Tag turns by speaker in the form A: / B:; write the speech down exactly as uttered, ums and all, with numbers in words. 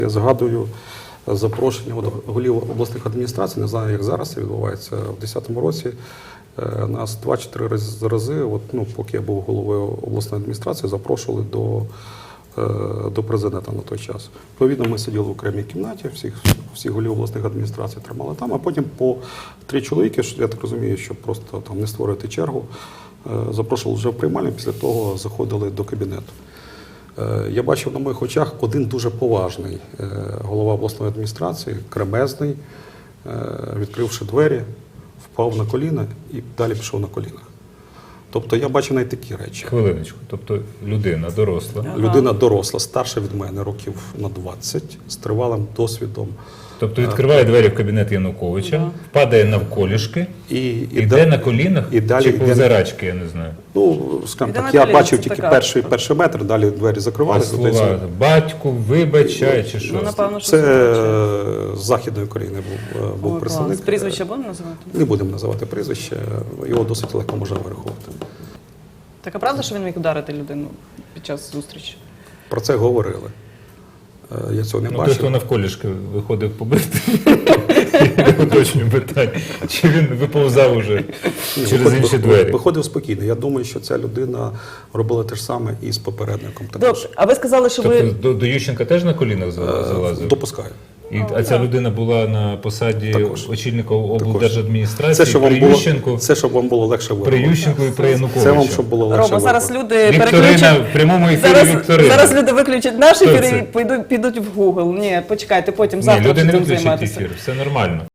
A: Я згадую запрошення голів обласних адміністрацій, не знаю, як зараз це відбувається, в дві тисячі десятому році нас два чи три рази, от, ну, поки я був головою обласної адміністрації, запрошували до, до президента на той час. Відповідно, ми сиділи в окремій кімнаті, всіх, всіх голів обласних адміністрацій тримали там, а потім по три чоловіки, я так розумію, щоб просто там не створити чергу, запрошували вже в приймальню, після того заходили до кабінету. Я бачив на моїх очах один дуже поважний голова обласної адміністрації, кремезний, відкривши двері, впав на коліна і далі пішов на колінах. Тобто я бачив навіть такі речі.
B: Хвилиночку, тобто людина доросла.
A: Людина доросла, старша від мене, років на двадцять, з тривалим досвідом.
B: Тобто відкриває двері в кабінет Януковича, да. Впадає навколішки, і, і йде да, на колінах, і далі, чи повзарачки, я не знаю.
A: Ну, скажімо так, я бачив тільки перший, перший метр, далі двері закривалися.
B: А слова «батьку», «вибачай» чи що?
C: Ну, напевно, що
A: це з Західної України був, був представник.
C: Прізвище будемо називати?
A: Не будемо називати прізвище, його досить легко можна вирахувати.
C: Так, а правда, що він міг ударити людину під час зустрічі?
A: Про це говорили. Я цього не
B: ну,
A: бачив.
B: Той, хто навколішки виходив побити, уточнюю питання. Чи він виповзав уже через інші двері?
A: Виходив спокійно. Я думаю, що ця людина робила те ж саме і з попередником.
C: Добре, а ви сказали, що ви...
B: Тобто до, до Ющенка теж на колінах залазив?
A: Допускаю.
B: І, а ця людина була на посаді
A: Також.
B: очільника облдержадміністрації
A: це, щоб
B: при
A: вам
B: Ющенку,
A: було, це, щоб вам було легше вибрати.
B: При Ющенку і при Януковичу.
A: Це вам, щоб було легше
C: Рома, зараз люди
B: Вікторина,
C: переключать...
B: в прямому ефірі
C: зараз,
B: Вікторина.
C: Зараз люди виключать наш ефір і підуть, підуть в Google. Ні, почекайте, потім завтра
B: Ні, люди не
C: будемо
B: виключать
C: займатися.
B: ефір, все нормально.